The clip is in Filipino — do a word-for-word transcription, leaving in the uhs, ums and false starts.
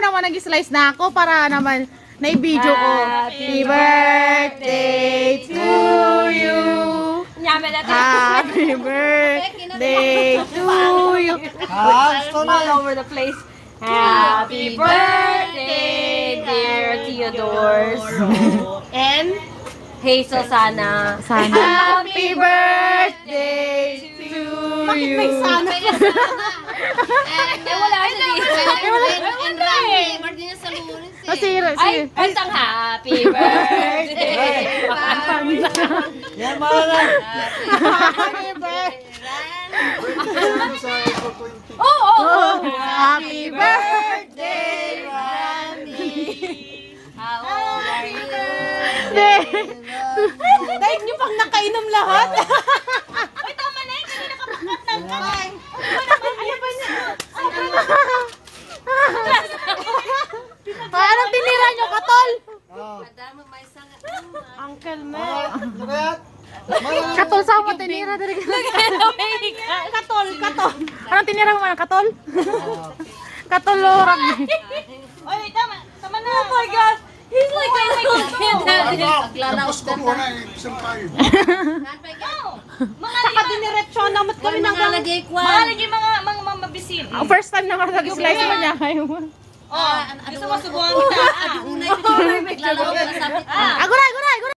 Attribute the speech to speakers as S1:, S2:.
S1: naman nag-slice na ako para naman na-video ko. Happy birthday to you. Happy birthday to you.
S2: All over the place. Happy birthday, dear Theodore. And Hazel Sana.
S1: Sana. Happy birthday to you.
S2: Eh, wala siya dito.
S3: And Rami, birthday niya sa lunes eh.
S1: Kasi,
S2: Ay, bantang happy birthday.
S4: Yan, mga na.
S1: Happy birthday.
S2: Oo, oo, oo.
S1: Happy birthday,
S3: How old are you?
S2: Dahil niyo pang nakainom lahat.
S3: Uy, tama na yun. Kanina ka bakit ng kamay.
S2: Ano ba niya?
S1: Anong tinira nyo, katol?
S3: Madama may sanga.
S2: Uncle Mel.
S1: Katol, saan mo tinira?
S2: Katol, katol.
S1: Anong tinira mo man, katol? Katol, lorag.
S3: Uy, tama. Tama na.
S2: Oh my God. He's like, he's like,
S3: Paglalaos
S4: Tapos ko muna yung isang tayo.
S3: Mga
S2: saka diniretso namat kami ng
S3: mga lagay kwa.
S2: Mga lagi mga, mga, mga mabisin.
S1: Ang first time na nag-slice mo niya kayo.
S2: Oh, gusto mo subuhan kita.
S3: Unay, paglalaos na sabi.
S1: Aguray, aguray, aguray!